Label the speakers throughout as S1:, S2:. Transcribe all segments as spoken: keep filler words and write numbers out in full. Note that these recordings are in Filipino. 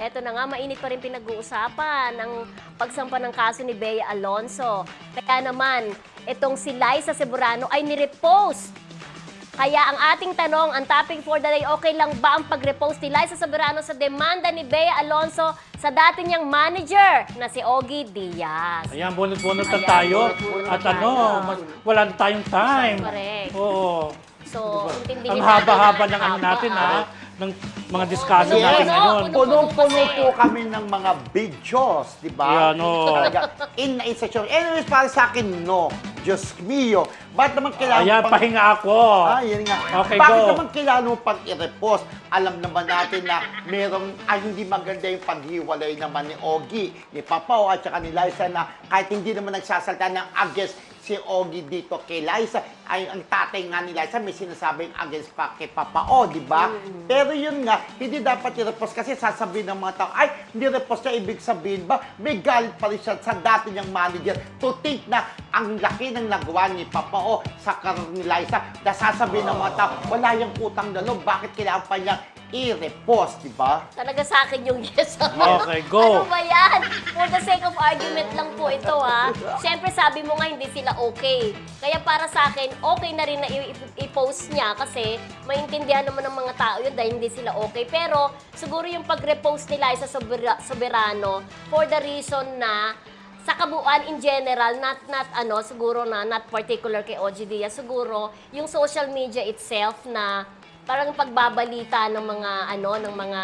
S1: eto na nga, mainit pa rin pinag-uusapan ang pagsampa ng kaso ni Bea Alonso. Kaya naman, itong si Liza Soberano ay nirepost. Kaya ang ating tanong, ang topic for the day, okay lang ba ang pag-repost ni Liza Soberano sa demanda ni Bea Alonso sa dati niyang manager na si Ogie Diaz?
S2: Ayan, bunot-bunot na
S1: Ayan,
S2: tayo.
S1: bunot-bunot
S2: At
S1: na
S2: ano,
S1: tayo.
S2: mas, wala na tayong time.
S1: Correct.
S2: Oo.
S1: So, intindihin
S2: Ang
S1: natin
S2: haba-haba
S1: na-
S2: ng ano
S1: haba,
S2: natin,
S1: ah.
S2: ha? Ng mga discussion
S1: Yes.
S2: natin
S1: Puno,
S2: ngayon.
S1: puno.
S3: Punong-puno
S1: kasi.
S3: po kami ng mga videos, di ba?
S2: Yan, oo.
S3: Talaga, in na in section. Anyways, para sa akin, no. Diyos mio. Ba't naman kailangan
S2: Ayan,
S3: pang-
S2: pahinga ako.
S3: Ah, yan nga.
S2: Okay,
S3: Bakit
S2: go.
S3: naman kailangan mo pag i-repost? Alam naman natin na merong, ay hindi maganda yung paghiwalay naman ni Ogie, ni Papao at saka ni Liza na kahit hindi naman nagsasalta ng against si Ogie dito kay Liza, ay ang tatay nga ni Liza may sinasabing against pa kay Papao, di ba?
S1: Mm.
S3: Pero yun nga, hindi dapat i-repost kasi sasabihin ng mga tao, ay, hindi repost niya, ibig sabihin ba, may galit pa rin siya sa dati niyang manager to think na ang laki ng nagawa ni Papao sa karir ni Liza, na sasabihin ng mga tao, wala yung utang na loob, bakit kailangan pa niya i-repost, di ba?
S1: Talaga sa akin yung yes.
S2: Okay, go.
S1: Ano ba yan? For the sake of argument lang po ito, ha? Siyempre, sabi mo nga, hindi sila okay. Kaya para sa akin, okay na rin na i- i- i-post niya kasi maintindihan naman ng mga tao yun dahil hindi sila okay. Pero, siguro yung pag-repost ni Liza Sobera- Soberano for the reason na sa kabuuan in general, not not ano, siguro na not particular kay Ogie Diaz, siguro yung social media itself na parang pagbabalita ng mga ano, ng mga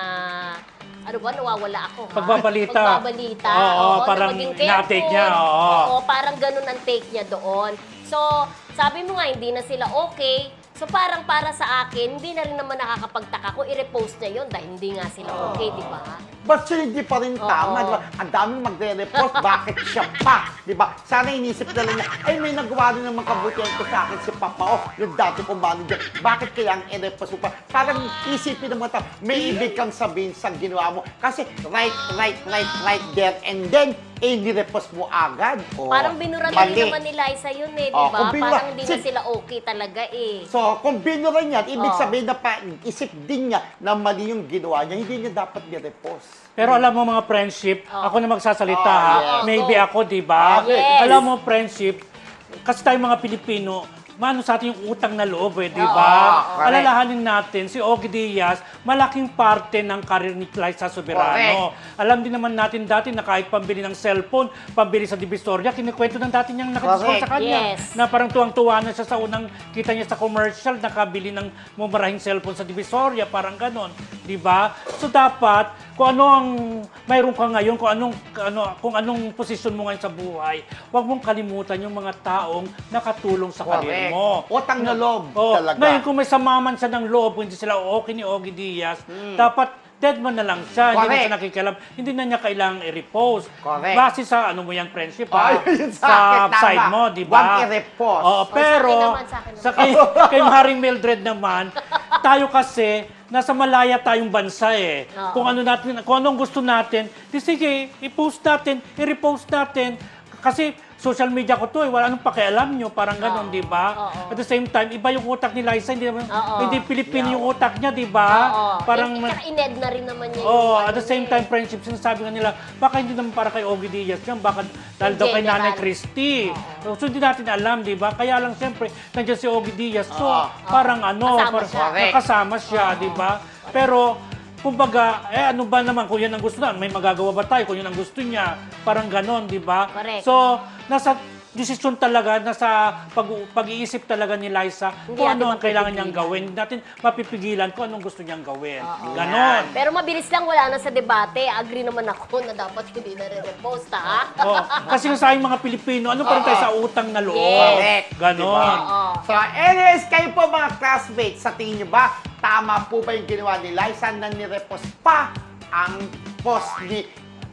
S1: ano ba, nawawala ako, ha?
S2: Pagbabalita.
S1: Pagbabalita.
S2: Oo,
S1: na
S2: parang
S1: maging
S2: ina-take
S1: careful.
S2: niya, oo.
S1: Oo, parang ganun ang take niya doon. So, sabi mo nga, hindi na sila okay. So, parang para sa akin, hindi na rin naman nakakapagtaka kung i-repost niya yun dahil hindi nga sila okay, di ba?
S3: But still, hindi pa rin
S1: Oo.
S3: tama, di ba? Ang daming magre-repost, bakit siya pa? Di ba? Sana inisip na lang niya, ay may nagawa rin naman kabutihan ko sa akin si Papao, yung dati kong manager. Bakit kailangan i-repost mo pa? Parang isipin ng mga tao, may ibig kang sabihin sa ginawa mo. Kasi right, right, right, right there, and then, eh, ni-repost mo agad. Oh,
S1: Parang binura na rin
S3: mali.
S1: naman ni Liza yun eh, di
S3: Oh,
S1: ba?
S3: kung binura-
S1: Parang hindi na
S3: si-
S1: sila okay talaga eh.
S3: So, kung binura niya, ibig
S1: Oo.
S3: sabihin na pa, isip din niya na mali yung ginawa niya, hindi niya dapat ni-repost.
S2: Pero alam mo mga friendship,
S1: Oh.
S2: ako na magsasalita
S3: Oh,
S2: ha.
S3: yes.
S2: Maybe
S1: Go.
S2: ako, di ba?
S1: Yes.
S2: Alam mo friendship, kasi tayong mga Pilipino, mano sa atin yung utang na loob eh, di
S1: Oo,
S2: ba?
S3: correct.
S2: Alalahanin natin, si Ogie Diaz, malaking parte ng karir ni Liza Soberano. Alam din naman natin dati na kahit pambili ng cellphone, pambili sa Divisoria, kinikwento ng dati niyang nakadiscount sa
S3: Correct.
S2: kanya.
S1: Yes.
S2: Na parang tuwang-tuwa na siya sa unang kita niya sa commercial, nakabili ng mumarahing cellphone sa Divisoria, parang ganon. Di ba? So dapat, kung ano ang mayroon ka ngayon, kung anong, ano, kung anong posisyon mo ngayon sa buhay, huwag mong kalimutan yung mga taong nakatulong sa karir mo.
S3: Utang na loob
S2: Oh,
S3: talaga.
S2: ngayon, kung may samaman siya ng loob, kung hindi sila okay ni Ogie Diaz, dapat dead man na lang siya. Hindi na
S3: Hmm. Correct.
S2: siya nakikialam. Hindi na niya kailangang i-repost.
S3: Correct.
S2: Base sa ano mo yung friendship, ha?
S3: Ay, yun sa
S2: sa
S3: akin, tama.
S2: side mo, di ba?
S3: Huwag i-repost.
S2: Oo,
S1: sa
S2: pero
S1: akin naman, sa akin naman.
S2: sa kay, kay Haring Mildred naman, tayo kasi nasa malaya tayong bansa eh.
S1: Oo.
S2: Kung ano natin, kung anong gusto natin, di sige, i-post natin, i-repost natin. Kasi social media ko to eh, wala anong pakialam nyo, parang ganon,
S1: Oo.
S2: di ba?
S1: Oo.
S2: At the same time, iba yung utak ni Liza, hindi naman,
S1: Oo.
S2: hindi Pilipino yung utak niya, di ba?
S1: Oo.
S2: Parang
S1: Eh, tsaka ined na rin naman niya
S2: Oh,
S1: yung
S2: at the
S1: ano
S2: same
S1: eh.
S2: time, friendship, sinasabi nga nila, baka hindi naman para kay Ogie Diaz yan, baka dahil
S1: In
S2: daw kay
S1: general.
S2: Nanay Christie. So, hindi natin alam, di ba? Kaya lang, siyempre, nandiyan si Ogie Diaz. So,
S3: Oo.
S2: parang ano,
S1: Kasama
S2: parang,
S1: siya.
S3: Correct.
S2: kasama siya, di ba? Pero, kumbaga, eh ano ba naman, kung yan ang gusto na, may magagawa ba tayo kung yan ang gusto niya? Parang ganon, di ba?
S1: Correct.
S2: So, nasa desisyon talaga, nasa pag, pag-iisip talaga ni Liza
S1: Hindi
S2: kung
S1: natin
S2: ano ang kailangan niyang
S1: mapipigilan.
S2: gawin. Hindi natin mapipigilan kung anong gusto niyang gawin.
S1: Oo.
S2: Ganon.
S1: Pero mabilis lang, wala na sa debate. Agree naman ako na dapat hindi na re-repost, ha?
S2: Oh, kasi nga sa ating mga Pilipino, ano pa rin tayo sa utang na loob?
S1: Yes.
S2: Ganon.
S1: Oo.
S3: So, anyways, kayo po mga classmates, sa tingin niyo ba, tama po ba yung ginawa ni Liza na nirepost pa ang post ni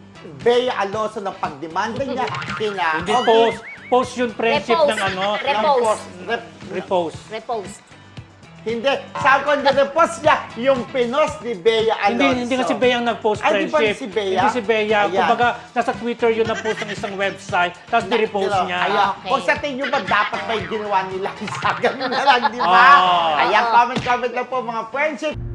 S3: Bea Alonso ng pagdemanda niya kina
S2: Hindi
S3: Ogie?
S2: post. Post yung friendship
S1: Repost.
S2: ng ano.
S1: Repost.
S3: Ng post. Rep-
S2: Repost.
S1: Repost.
S3: Hindi. Sabi ko, nirepost niya yung pinost ni Bea Alonso.
S2: Hindi, hindi kasi Bea ang nag-post
S3: Ay, di ba
S2: friendship.
S3: si Bea?
S2: Hindi si Bea.
S3: Ayan.
S2: Kumbaga, nasa Twitter yun na-post ng isang website, tapos ni-repost
S3: Pero,
S2: niya.
S3: Ayan.
S1: Okay.
S3: Kung sa tingin nyo ba, dapat ba yung ginawa nila sa ganun na lang, di ba?
S2: Oh.
S3: Ayan, comment-comment lang po mga friendship.